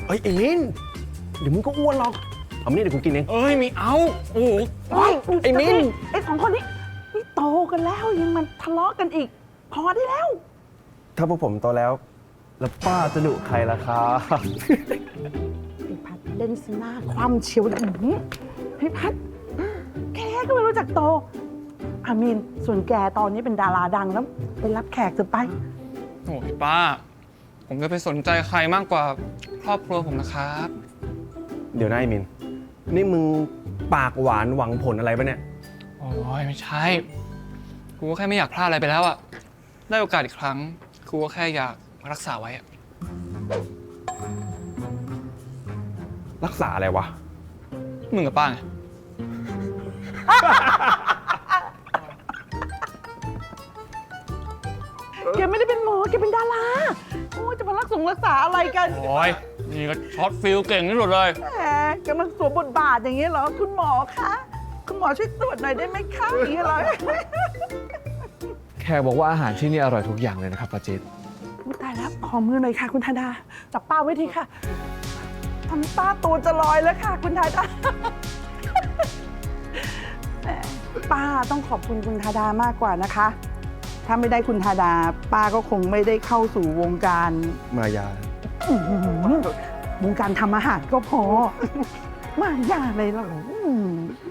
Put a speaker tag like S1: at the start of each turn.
S1: เฮ้ยไอ้มินเดี๋ยวมึงก็อ้วนหรอกเอามานี่เดี๋ยวกูกินเอง
S2: เอ้ยมีเอาโอ้โห
S1: ไอ้มิน
S3: ไอ้สองคนนี้นี่โตกันแล้วยังมันทะเลาะกันอีก พอได้แล้ว
S1: ถ้าพวกผมโตแล้วป้าจะดุใครล่ะครับ
S3: พี่พัดเล่นสหน้าความเฉียวพี่พัดแกก็ไม่รู้จักโตอามีนส่วนแกตอนนี้เป็นดาราดังแล้วไปรับแขกเถอะไป
S2: โอ้ยป้า ผมจะไปสนใจใครมากกว่าครอบครัวผมนะครับ
S1: เดี๋ยวนะไอ้มินนี่มึงปากหวานหวังผลอะไรปะเนี่ย
S2: โอ้ยไม่ใช่กูก็แค่ไม่อยากพลาดอะไรไปแล้วอะได้โอกาสอีกครั้งกูก็แค่อยากรักษาไว้อะ
S1: รักษาอะไรวะ
S2: มึงกับป้าไง
S3: แกไม่ได้เป็นหมอแกเป็นดาราโอ้ยจะมารักษาอะไรกัน
S2: โอ้ยนี่ก็ช็อตฟิลเก่งที่สุดเลย
S3: แหมกำลังสวมบทบาทอย่างนี้เหรอคุณหมอคะคุณหมอช่วยตรวจหน่อยได้ไหมคะอย่างนี้เหรอ
S4: แขกบอกว่าอาหารที่นี่อร่อยทุกอย่างเลยนะครับป้าจิ๊ด
S3: อุ๊ยตายแล้วขอมือหน่อยค่ะคุณธาดาจับป้าไว้ทีค่ะทำป้าตัวจะลอยแล้วค่ะคุณธาดา แหมป้าต้องขอบคุณคุณธาดามากกว่านะคะ ถ้าไม่ได้คุณธาดา ป้าก็คงไม่ได้เข้าสู่วงการ
S1: มายา
S3: อื้อหือวงการทำอาหารก็พอ มากยากเลยเหรอ